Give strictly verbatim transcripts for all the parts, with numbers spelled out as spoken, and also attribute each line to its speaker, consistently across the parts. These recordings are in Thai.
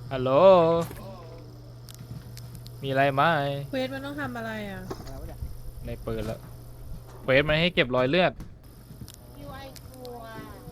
Speaker 1: ฮัลโหลมีอะไรไหม
Speaker 2: เควสมันต้องทำอะไรอ่ะ
Speaker 1: ในเปิดแล้วเควสมันให้เก็บรอยเลือด
Speaker 3: ยูไอกลัว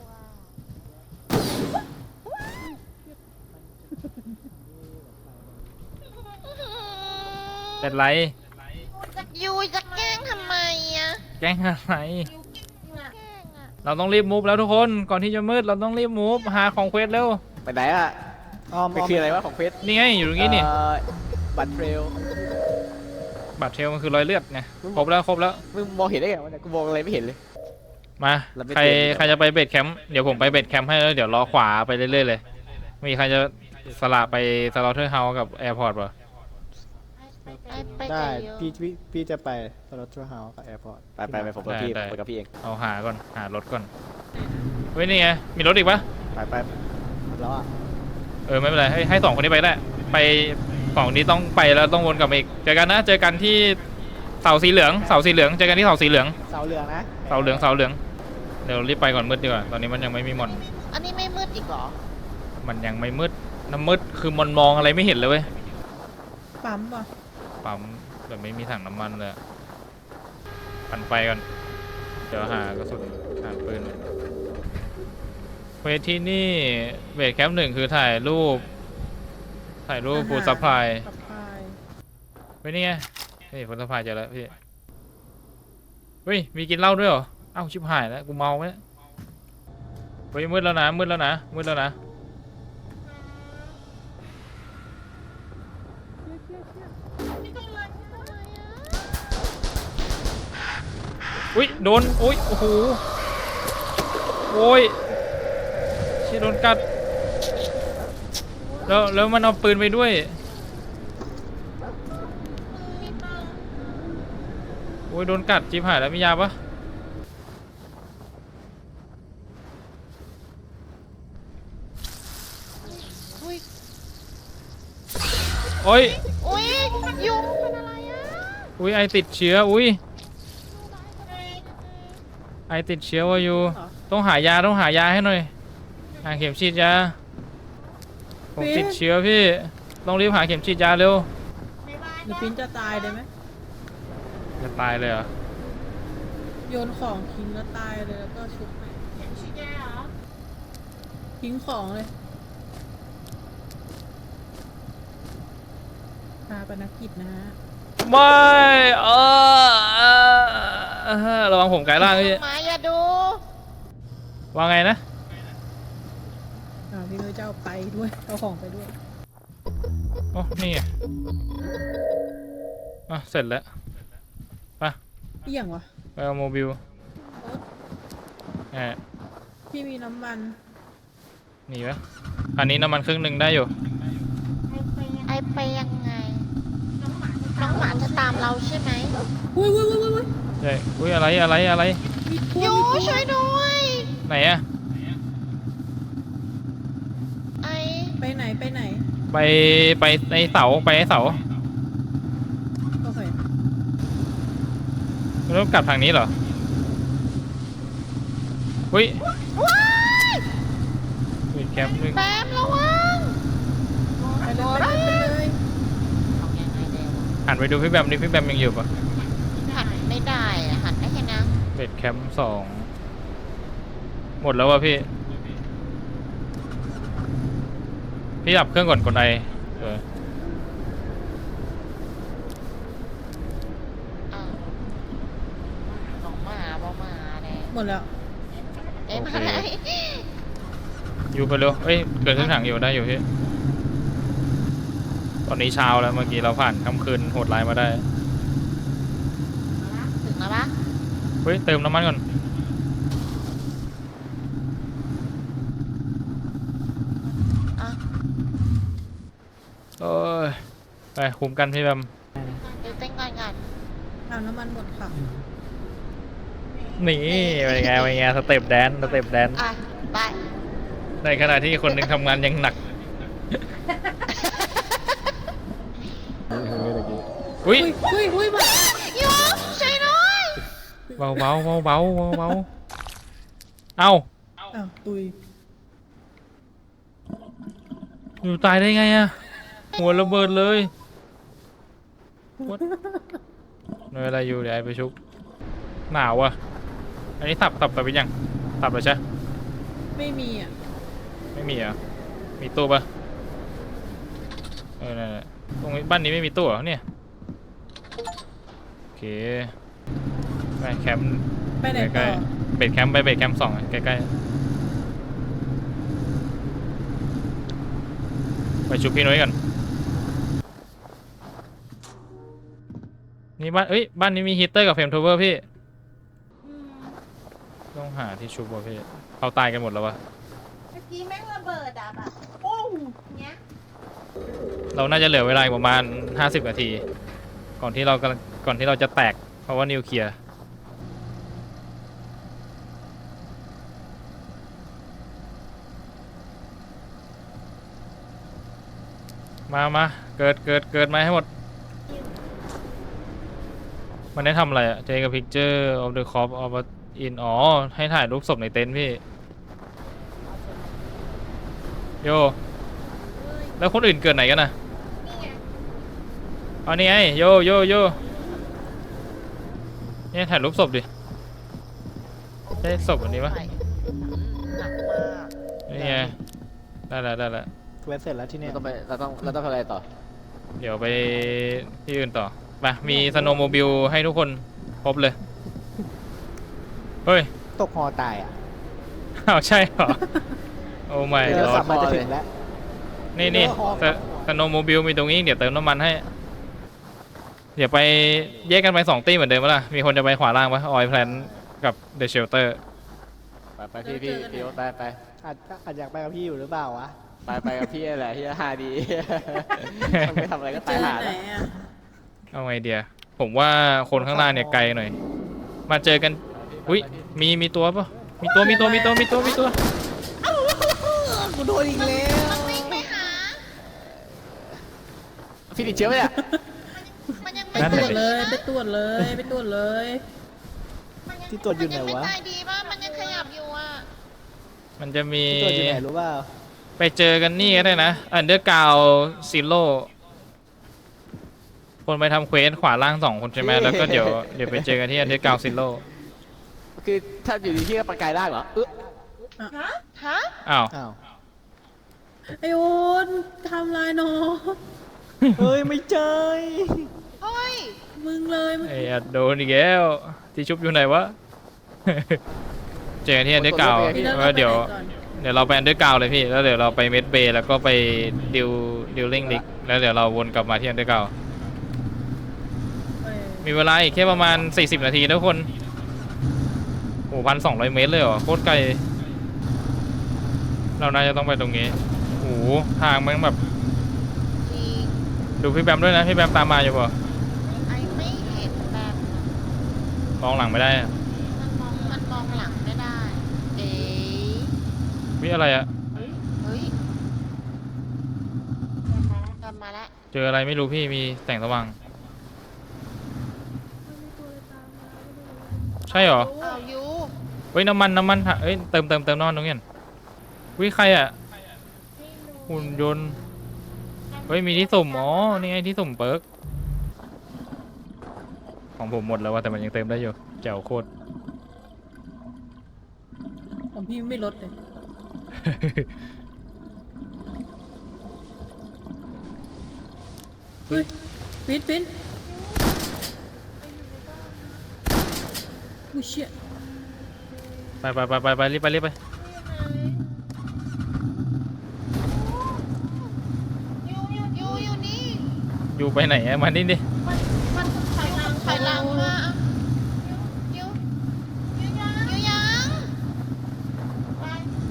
Speaker 1: เป็นไร
Speaker 3: ยูจะแกล้งทำไมอ่ะ
Speaker 1: แกล้งอะไร
Speaker 3: แกล้งอ่ะ
Speaker 1: เราต้องรีบมูฟแล้วทุกคนก่อนที่จะมืดเราต้องรีบมูฟหาของเควสเร็ว
Speaker 4: ไปไหนอะไปคืออะไรวะของเฟส
Speaker 1: นี่ไงอยู่ตรงนี้นี่
Speaker 4: เอ่อบัตรเทรล
Speaker 1: บัตรเทลมันคือรอยเลือดไงครบแล้วครบแล้ว
Speaker 4: มึงมองเห็นได้ไงวะเนี่ยกูมองอะไรไม่เห็นเลย
Speaker 1: มา
Speaker 4: เราไม่
Speaker 1: ใคร
Speaker 4: เตรียม
Speaker 1: ใครจะไปเบสแคมป์เดี๋ยวผมไปเบสแคมป์ให้แล้วเดี๋ยวรอขวาไปเรื่อยๆเลยมีใครจะสละไปสลอเทอร์เฮาส์กับแอร์พอร์ตป่ะ
Speaker 3: ไปไป
Speaker 5: ได้
Speaker 3: กับยู
Speaker 5: พี่พี่พี่จะไปสโลทเฮาส์กับแอร์พอร์ต
Speaker 4: ไปไปไปผมกับพี่ผมไปกับพี่เอง
Speaker 1: เอาหาก่อนหารถก่อนเฮ้ยนี่ไงมีรถอีกปะ
Speaker 4: ไปไป
Speaker 5: แล้วอ่ะ
Speaker 1: เออไม่เป็นไรให้ให้สองคนนี้ไปได้ไปสองนี้ต้องไปแล้วต้องวนกลับมาอีกเจอกันนะเจอกันที่เสาสีเหลืองเสาสีเหลืองเจอกันที่เสาสีเหลือง
Speaker 5: เสาเหลืองนะ
Speaker 1: เสาเหลืองเสาเหลืองเดี๋ยวรีบไปก่อนมืดดีกว่าตอนนี้มันยังไม่มีมอน
Speaker 3: อันนี้ไม่มืดอีกเหรอ
Speaker 1: มันยังไม่มืดน้ำมืดคือมันมองอะไรไม่เห็นเลยเว้ย
Speaker 2: ปั๊มป่ะ
Speaker 1: ปั๊มแบบไม่มีถังน้ำมันเลยปั่นไฟก่อนเดี๋ยวหากระสุนหาปืนเควสที่นี่เบสแคมป์หนึ่งคือถ่ายรูปถ่ายรูปฟูดซัพพลาย
Speaker 2: ซัพพลาย
Speaker 1: เฮ้ยนี่ไงนี่ฟูดซัพพลายเจอแล้วพี่เฮ้ยมีกินเหล้าด้วยเหรอเอ้าชิบหายแล้วกูเมาไหมเฮ้ยมืดแล้วนะมืดแล้วนะมืดแล้วนะอุ้ยโดนอุ้ยโอ้โหโอ้ยเชี่ยโดนกัดแล้วแล้วมันเอาปืนไปด้วยโอ้ยโดนกัดจิ๊บหายแล้วมียาปะโอ้ย
Speaker 3: อุ้ยยูเป็นอะไรอ่ะ
Speaker 1: อุ้ยไอติดเชื้ออุ้ยไอติดเชื้อวะอยู่ต้องหายาต้องหายาให้หน่อยหาเข็มฉีดยาผมติดเชื้อพี่ต้องรีบหาเข็มฉีดยาเร็ว
Speaker 2: หรือปิ้นจะตายเลยไหม
Speaker 1: จะตายเลยเหรอ
Speaker 2: โยนของทิ้งแล้วตายเลยแล้วก็ชุบใหม่ทิ้งของเลยพาปนกิจนะฮะ
Speaker 1: ไม่เออเออระวังผมกายล่างพี่
Speaker 3: มาอย่าดู
Speaker 1: ว่าไงนะ
Speaker 2: อ่าพี่นุ้ยจะเอาไปด้วยเอาของไปด้วย
Speaker 1: โอ้นี่ไงอ่ะเสร็จแล้วไป
Speaker 2: เอี่ยงวะ
Speaker 1: ไปเอาโมบิลแหม
Speaker 2: พี่มีน้ำมัน
Speaker 1: หนีไหมอันนี้น้ำมันครึ่งหนึ่งได้อยู่
Speaker 3: ไอไปยังไง น้องหมาจะตามเราใช่ไหม
Speaker 2: อุ้ยอุ้ยอุ้ยอุ้ย
Speaker 1: ใช่อุ้ยอะไรอะไรอะไร
Speaker 2: มีพว
Speaker 3: ยู
Speaker 2: กมีพวก
Speaker 3: ช่วยด้วย
Speaker 1: ไหนอะ
Speaker 3: ไอ
Speaker 2: ไปไหนไปไหน
Speaker 1: ไปไปในเสาไปในเสา
Speaker 2: โอเค
Speaker 1: ไม่ต้องกลับทางนี้เหรออุ้ย
Speaker 3: ว้าย
Speaker 1: อุ้ยแคมป์นึง
Speaker 3: แบมระวัง
Speaker 2: ไปเลยไปเลยไปเลย
Speaker 3: ของยังไงเดี๋ยว
Speaker 1: หันไปดูพี่แบมดิพี่แบมยังอยู่ปะ
Speaker 3: หันไม่ได้อะหันได้แค่นั้น
Speaker 1: เบสแคมป์สองหมดแล้ววะพี่พี่ดับเครื่องก่อนกดไอเออ
Speaker 3: อ้าวน้องหมาบ่มาแน่
Speaker 2: หมดแล้ว
Speaker 3: เอ้ยมาไหน
Speaker 1: อยู่ไปเร็วเอ้ยเกิดขึ้นถังอยู่ได้อยู่พี่ตอนนี้เช้าแล้วเมื่อกี้เราผ่านค่ำคืนโหดร้ายมาได้
Speaker 3: ถึงแล้วปะ
Speaker 1: เฮ้ยเติมน้ำมันก่อน
Speaker 3: อ่ะ
Speaker 1: เอ้ยไปคุมกันพี่แบม
Speaker 3: เดี๋ยวเต้นก่อนก่อน
Speaker 2: เอาน้ำมันหมดค่ะ
Speaker 1: นี่เป็นไงเป็นไงสเต็ปแดนสเต็ปแดน
Speaker 3: อ่ะไป
Speaker 1: ในขณะที่คนหนึ่งทำงานยังหนัก อุ้ย
Speaker 2: อุ้ยอุ้ยมา
Speaker 3: ยูช่วยหน่อย
Speaker 1: เบาเบาเบาเบาเบาเบาเอ้า
Speaker 2: อ้าวตุย
Speaker 1: โอยู่ตายได้ไงอะหัวระเบิดเลย What? หน่วยอะไรอยู่เดี๋ยวไอไปชุบหนาวอะอันนี้ตับตับตับไปยังตับเลยใช่
Speaker 2: ไม่มีอ่ะ
Speaker 1: ไม่มีเหรอ่ะมีตู้ปะเออนั่นแหละตรงนี้บ้านนี้ไม่มีตู้เหรอเนี่ยโอเคไปแคมป์
Speaker 2: ไปไหน
Speaker 1: ใก
Speaker 2: ต่
Speaker 1: ล้
Speaker 2: อ
Speaker 1: ๆเบสแคมป์ไปเบสแคมป์สองอะใกล้ๆไปชุบพี่น้อยก่อนนี่บ้านเอ้ยบ้านนี้มีฮีตเตอร์กับเฟรมทูเวอร์พี่ต้องหาที่ชุบวะพี่เขาตายกันหมดแล้ววะ
Speaker 3: เมื่อกี้แม่งระเบิดอ่ะแบบปุ้งเงี้ย
Speaker 1: เราน่าจะเหลือเวลาอีกประมาณห้าสิบนาที ก่อนที่เรากำลังก่อนที่เราจะแตกเพราะว่านิวเคลียร์มามาเกิดเกิดเกิดมาให้หมด มันได้ทำอะไรอะเจกับพิกเจอร์ of the corp of in อ๋อ ให้ถ่ายรูปศพในเต็นท์พี่ โย แล้วคนอื่นเกิดไหนกันนะ
Speaker 3: นี่ไง
Speaker 1: เอานี่ไงโยโยโยนี่ถ่ายรูปศพดิใช่ศพอันนี้ปะ
Speaker 3: หนักมาก
Speaker 1: นี่ไงได้แล้วได้แล้ว
Speaker 5: เวสเสร็จแล้วที่เนี่ย
Speaker 4: เราต้องไปเราต้องเราต้องทำอะไรต่อ
Speaker 1: เดี๋ยวไปที่อื่นต่อไปมีสโนว์โมบิลให้ทุกคนครบเลย เฮ้ย
Speaker 5: ตกฮอตายอ่ะ
Speaker 1: อ้าวใช่เหรอ โอ้ไม่
Speaker 5: เดี๋ยว
Speaker 1: ร
Speaker 5: ขั
Speaker 1: อบ
Speaker 5: มาจะถึงแล้ว
Speaker 1: นี่นี่
Speaker 5: เดี๋ยวฮอ
Speaker 1: สโนว์โมบิลมีตรงนี้เดี๋ยวเติมน้ำมันให้ เดี๋ยวไปแยกกันไปสองตีเหมือนเดิมปะล่ะ มีคนจะไปขวาล่างปะออยแพลนกับเดอะเชลเตอร์
Speaker 4: ไปไปพี่พี่พี่โอ๊ตไปไป
Speaker 5: อาจอาจอยากไปกับพี่อยู่หรือเปล่าวะ
Speaker 4: ไปไปกับพี่แหละที่ฮาดี มันไม่ทำอะไรก็
Speaker 2: เจ
Speaker 4: ตาย
Speaker 2: อ
Speaker 4: หา
Speaker 2: ไหน
Speaker 4: แล้ว
Speaker 2: อ่ะ
Speaker 1: เอาไงเดียผมว่าคนข้างล่างเนี่ยไกลหน่อย มาเจอกัน อุ้ยมีมีตัวปะมีตัวมีตัวมีตัวมีตัวมีตัว
Speaker 5: กูโดนอีกแล้ว
Speaker 3: มันวิ่งไปหา
Speaker 4: พี่ติดเชื้อไหมเนี่ย
Speaker 3: มันยัง
Speaker 2: ไป
Speaker 3: ไม่
Speaker 2: ตรวจเลย ไปตรวจเลย ไปตรวจเลย
Speaker 3: มันยัง
Speaker 5: ที่ตรวจอยู่ไหน
Speaker 3: มั
Speaker 5: วะ
Speaker 3: ไม่ตายดีป่ะมันยังขยับอยู่อ่ะ
Speaker 1: มันจะมี
Speaker 5: ที่ตัวอยู่ไหนรู้เปล่า
Speaker 1: ไปเจอกันนี่ก็ได้นะ อันเดอร์กาวซิโร่คนไปทำเควสขวาล่างสองคนใช่ไหมแล้วก็เดี๋ยวเดี๋ยวไปเจอกันที่อันเดอร์กาวซิโร่
Speaker 4: คือถ้าอยู่ดีที่ก็ประกายร่างเหรอเออ
Speaker 3: ฮะ ฮะ
Speaker 1: อ้าว
Speaker 5: อ้าว
Speaker 2: ไอโอนทำลายน้อง
Speaker 5: เฮ้ย ไม่ใจ
Speaker 3: เฮ้ย
Speaker 2: มึงเลยมึง
Speaker 1: ไอ้อัดโดนอีกแล้วที่ชุบอยู่ไหนวะ เจอกันที่อันเดอร์กาว
Speaker 2: พี่เลิก
Speaker 1: ว่าเดี๋ยว
Speaker 2: ไปไหนก่อน
Speaker 1: เดี๋ยวเราไปอันเดอร์กาวเลยพี่แล้วเดี๋ยวเราไปเมดเบย์แล้วก็ไปดิวดิวลิงลิกแล้วเดี๋ยวเราวนกลับมาที่อันเดอร์กาว
Speaker 2: เออ
Speaker 1: มีเวลาอีกแค่ประมาณสี่สิบนาทีนะทุกคนโอ้พันสองร้อยเมตรเลยเหรอโคตรไกลเราน่าจะต้องไปตรงนี้โอ้โหทางมันแบบ
Speaker 3: จริง
Speaker 1: ดูพี่แบมด้วยนะพี่แบมตามมาอยู่ป่ะ
Speaker 3: ไอไม่เห็นแบบ
Speaker 1: มองหลังไม่ได้อะ
Speaker 3: มันมอง มันมองหลังไม่ได้ เอ๊ะ
Speaker 1: วิอะไรอะ
Speaker 3: เฮ้ยกลับมาแล้ว
Speaker 1: เจออะไรไม่รู้พี่มีแสงสว่างใช่เหรอ
Speaker 3: อ้าวยู
Speaker 1: เฮ้ยน้ำมันน้ำมันเอ้ยเติมเติมเติมน้ำมันตรงนี้วิใครอะหุ่นยนต์เฮ้ยมีที่สุ่มอ๋อนี่ไงที่สุ่มเปิร์กของผมหมดแล้วว่าแต่มันยังเติมได้อยู่แจ๋วโคตร
Speaker 2: ของพี่ไม่ลดเลย เฮ้ยปิดปิดอุ้ยเชี่ย
Speaker 1: ไปไปไปไปไปรีบไปรีบไป
Speaker 3: ยูยูยูยูนี่
Speaker 1: อยู่ไปไหนอะมานี่ดิ
Speaker 3: มันมันถอยหลังถอยหลังมายูยูยังยูยังไปไป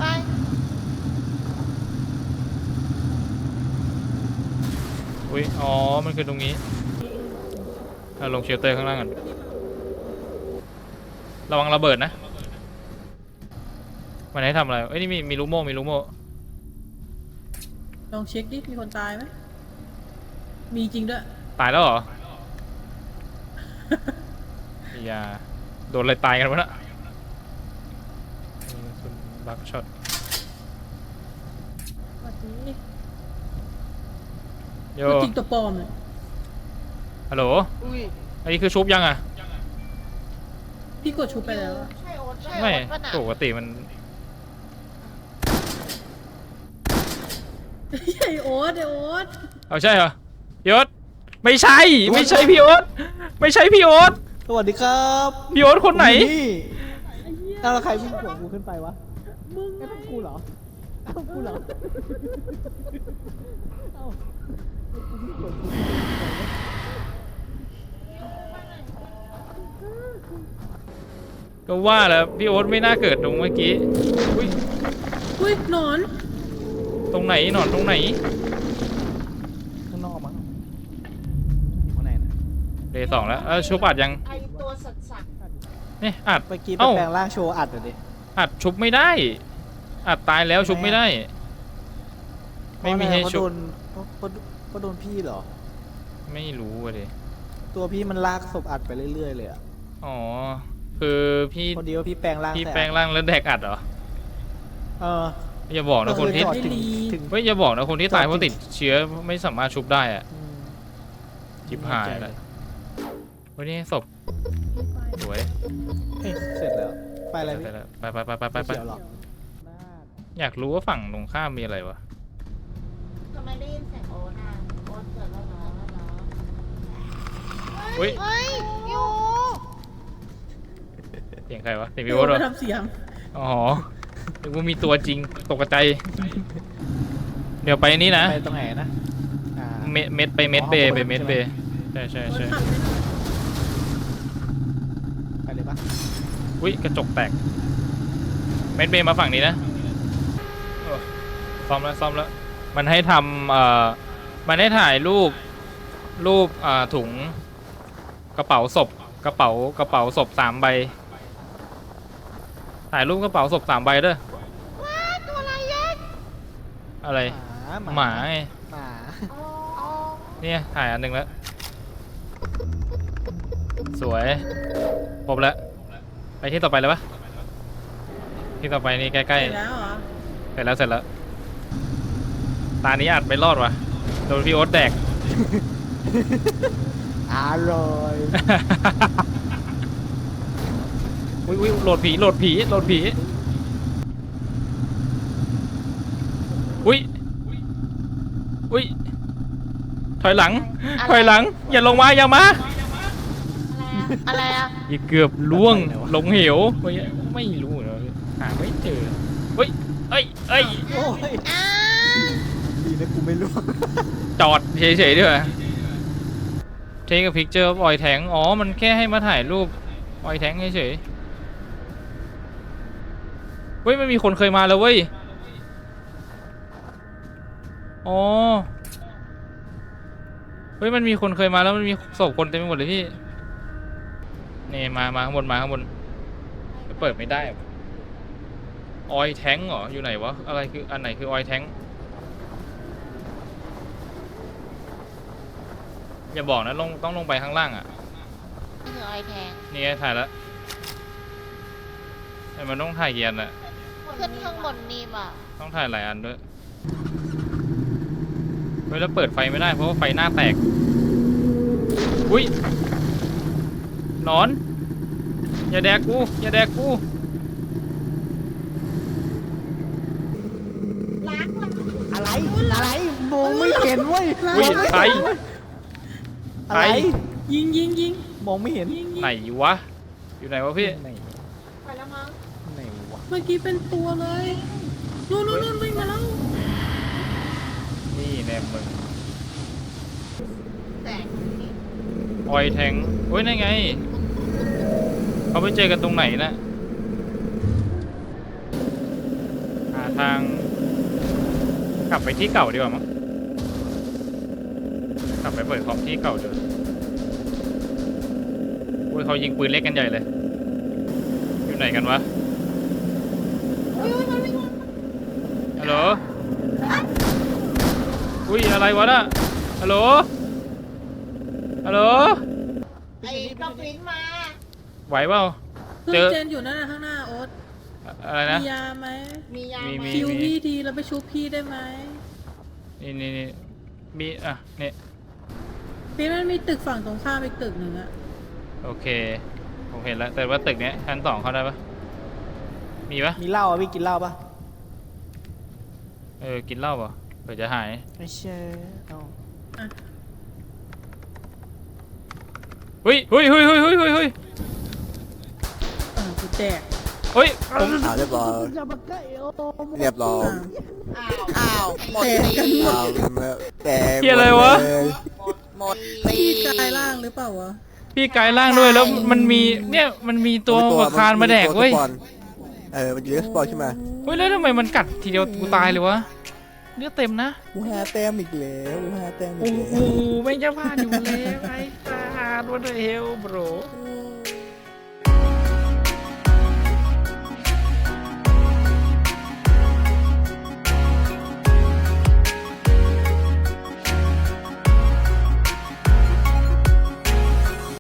Speaker 1: อุ้ยอ๋อมันคือตรงนี้เอาลงเชลเตอร์ข้างล่างก่อนระวังระเบิดนะมันให้ทำอะไรเอ้ยนี่มีมีลูกโม่มีลูกโม่
Speaker 2: ลองเช็คดิ มีคนตายไหม มีจริงด้วย
Speaker 1: ตายแล้วเหรอ อย่าโดนอะไรตายกันวะน่ะบักช็อต
Speaker 2: สวัสดี
Speaker 1: โย
Speaker 2: ตัวจริงตัวปลอมเลย
Speaker 1: ฮัลโหล
Speaker 4: อุ้ย
Speaker 1: อันนี้คือชุบยังอ่ะ
Speaker 2: พี่กดชุบไปแล้ว
Speaker 3: ใช่โอ๊ตใช่
Speaker 1: ไม่
Speaker 3: โอ๊ตป่ะน่ะ
Speaker 1: ปกติมัน
Speaker 2: ไอโอ๊ตไอโอ๊ต
Speaker 1: เอาใช่เหรอพี่โอ๊ตไม่ใช่ไม่ใช่พี่โอ๊ตไม่ใช่พี่โอ๊ต
Speaker 5: สวัสดีครับ
Speaker 1: พี่โอ๊ตคนไหน
Speaker 5: ผมอยู่อ้าวแล้วใครวิ่งขวงกูขึ้นไปวะ
Speaker 2: มึง
Speaker 5: ไอ้พวกกูเหรอไอ้พวกกูเหรอเอ้ากูวิ่งขวงกูขึ้นไป
Speaker 1: ก็ว่าแล้วพี่โอ๊ตไม่น่าเกิดตรงเมื่อกี้อุ้ย
Speaker 2: อุ้ยหนอน
Speaker 1: ตรงไหนหนอนตรงไหน
Speaker 5: ข้างนอกมั้งข้างในนะ
Speaker 1: เดย์สองแล้วเออชุบอัดยัง
Speaker 3: ไอตัวสัตว์สัตว์
Speaker 1: นี่อัด
Speaker 5: เมื่อกี้ไป
Speaker 1: เอ้า
Speaker 5: แปลงร่างโชว์อัดเหรอดิ
Speaker 1: อัดชุบไม่ได้ อัดตายแล้วชุบไม่ได้ ไม่มีให้
Speaker 5: เพราะ
Speaker 1: ชุบ
Speaker 5: โดนเพราะเพราะเพราะโดนพี่เหรอ
Speaker 1: ไม่รู้อะดิ
Speaker 5: ตัวพี่มันลากศพอัดไปเรื่อยๆเลยอะ
Speaker 1: อ๋อคือพี่
Speaker 5: คนเดียวพี่แปลงร่าง
Speaker 1: พี่
Speaker 5: ใส่
Speaker 1: แปลงร่างแล้วแดกอัดเหรอ
Speaker 5: เออ
Speaker 1: อย่าบอกนะคนที่
Speaker 5: จอดถึงถึง
Speaker 1: เฮ้ยอย่าบอกนะคนที่ตาย
Speaker 5: จอด
Speaker 1: เพราะติดเชื้อไม่สามารถชุบได้อะ
Speaker 5: อืม
Speaker 1: จิบหายแล้ววันนี้ศพสวย
Speaker 5: เฮ้ยเสร็จแล้ว ไปอะไรพี่
Speaker 1: ไปไปไปไปไปไป
Speaker 5: เขียวเหรอ
Speaker 1: อยากรู้ว่าฝั่งตรงข้ามมีอะไรวะ
Speaker 3: ทำไมได้ยินเสียงโอ๊ตอ่ะโอ๊ตเกิดแล้วเหรอแล้วเหรอ
Speaker 1: เฮ้ย
Speaker 3: เฮ้ยอยู่
Speaker 1: เสียงใครวะเสียง
Speaker 2: ไอ
Speaker 1: พี่
Speaker 2: โอ๊
Speaker 1: โอ๊
Speaker 2: ต
Speaker 1: ตเหรอ
Speaker 2: มาทำเสียง
Speaker 1: อ๋อนึกว่ามีตัวจริงตกใจเดี๋ยวไปนี่นะ
Speaker 5: ไปตรงไหนนะอ่า
Speaker 1: เมดเม็ดไปเม็ดเบย์ไปเม็ดเบย์ใช่ใช่
Speaker 2: โอ๊ต
Speaker 1: ใช่
Speaker 2: ขับไปหน่อย
Speaker 5: ไปเลยปะ
Speaker 1: อุ้ยกระจกแตกเม็ดเบย์มาฝั่งนี้นะโอ้ซ่อมแล้วซ่อมแล้วมันให้ทำเอ่อมันให้ถ่ายรูปรูปอ่าถุงกระเป๋าศพกระเป๋ากระเป๋าศพสามใบถ่ายรูปกระเป๋าศพสามใบเด้อ
Speaker 3: ว้าตัวอะไรยักษ์
Speaker 1: อะไร
Speaker 5: หมา
Speaker 1: หมาไง
Speaker 5: หมา
Speaker 3: อ๋ออ๋อ
Speaker 1: เนี่ยถ่ายอันหนึ่งแล้วสวยครบแล้วไปที่ต่อไปเลยปะที่ต่อไปนี่ใกล้
Speaker 2: เสร็จแล้วเหรอ
Speaker 1: ๆเสร็จแล้วเสร็จแล้วตานี้อัดไม่รอดว่ะโดนพี่โอ๊ตแดก
Speaker 5: อร่อย
Speaker 1: อุ้ยอุ้ยโหลดผีโหลดผีโหลดผีอุ้ยอุ้ยถอยหลังถอยหลังอย่าลงมาอย่ามา
Speaker 3: อะไรอะ
Speaker 1: อย่าเกือบล่วงลงเหวไม่ไม่รู้เนาะหาไม่เจอเฮ้ยเอ้ยเอ้ย
Speaker 5: โอ้ย
Speaker 3: อ่า
Speaker 5: ดีนะกูไม่รู้
Speaker 1: จอดเฉยๆด้วยเทคกับพิกเจอร์ออยแทงอ๋อมันแค่ให้มาถ่ายรูปออยแทงเฉยๆเฮ้ยมันมีคนเคยมาแล้วเว้ยอ๋อเฮ้ยมันมีคนเคยมาแล้วมันมีศพคนเต็มไปหมดเลยพี่นี่มามาข้างบนมาข้างบนเปิดไม่ได้ออยแทงเหรออยู่ไหนวะอะไรคืออันไหนคือออยแทงอย่าบอกนะลงต้องลงไปข้างล่างอ่ะ
Speaker 3: นี่คือไอแทง
Speaker 1: นี่ไงถ่ายแล้วแต่มันต้องถ่ายกี่อันอะ
Speaker 3: ขึ้นข้างบนนี่ป่ะ
Speaker 1: ต้องถ่ายหลายอันด้วยเฮ้ยแล้วเปิดไฟไม่ได้เพราะว่าไฟหน้าแตกอุ้ยหนอนอย่าแดกกูอย่าแดกกู
Speaker 5: อะไร อะไรมองไม่เห็นเว้ย
Speaker 1: อุ้ยใคร
Speaker 5: อะไร
Speaker 2: ยิงยิงยิง
Speaker 5: มองไม่เห็น
Speaker 2: ยิงยิง
Speaker 1: ไหนวะอยู่ไหนวะพี่
Speaker 5: ไหน
Speaker 3: ไปแล้วมั้ง
Speaker 5: ไหนวะ
Speaker 2: เมื่อกี้เป็นตัวเลยนู่นนู่นนู่นวิ่งมาแล้ว
Speaker 1: นี่แน่มึง
Speaker 3: แตกนี่
Speaker 1: ออยแทงเฮ้ยนั่นไงเขาไปเจอกันตรงไหนนะหาทางกลับไปที่เก่าดีกว่ามั้งกลับไปเปิดคอมที่เก่าเดิมโอ้ยเขายิงปืนเล็กกันใหญ่เลยอยู่ไหนกันวะ
Speaker 3: อุ้ยอุ้ยมันวิ่ง
Speaker 1: ฮัลโหลอุ้ยอะไรวะน่ะฮัลโหลฮัลโหล
Speaker 3: ไอ้กระปิ้นมา
Speaker 1: ไหวเปล่า
Speaker 2: เครื่องเจนอยู่นั่นนะข้างหน้าโอ๊ต
Speaker 1: อะไรนะ
Speaker 2: มียาไหม
Speaker 3: มียา
Speaker 1: มี
Speaker 3: ไหม
Speaker 1: มี
Speaker 2: คิวพี่ทีแล้วไปชุบพี่ได้ไหม
Speaker 1: นี่นี่นี่มีอ่ะเนี่ย
Speaker 2: พี่มันมีตึกฝั่งตรงข้ามอีกตึกหนึ่งอะ
Speaker 1: โอเคผมเห็นแล้วแต่ว่าตึกเนี้ยชั้นสองเข้าได้ปะมีปะ
Speaker 5: มีเหล้าอ่ะพี่กินเหล้าปะ
Speaker 1: เออกินเหล้าปะเผื่อจะหาย
Speaker 5: ไม่ใช่เอา
Speaker 1: เฮ้ยเฮ้ยเฮ้ยเฮ้ยเฮ้ยเฮ้ยเฮ้ย
Speaker 2: เออกูแจก
Speaker 1: เฮ้ยผม
Speaker 6: อ่าเรียบร้อยเรียบร้อย
Speaker 3: อ้าวอ้าวหมด
Speaker 2: แตก
Speaker 3: ตี
Speaker 2: กันหม
Speaker 6: อ่า
Speaker 2: ด
Speaker 6: แต่
Speaker 1: เฮียอะไรวะ
Speaker 3: หมดตี
Speaker 2: พี่กายล่างหรือเปล่าวะ
Speaker 1: พี่กายล่างด้วยแล้วมันมีเนี่ยมันมีตัวประคานมาแดกเว้ย
Speaker 6: เออมันจะเรียกสปอนขึ้นมา
Speaker 1: เฮ้ยแล้วทำไมมันกัดทีเดียวกูตายเลยวะเลือดเต็มนะ
Speaker 6: อูฮาแต้มอีกแล้วอูฮาแต้มอี
Speaker 1: โอ้
Speaker 6: ก
Speaker 1: โห
Speaker 6: แล้ว
Speaker 1: ไม่จะพลาดอยู่แล้วไอ้ตาดวันเฮลโบร
Speaker 2: โอ้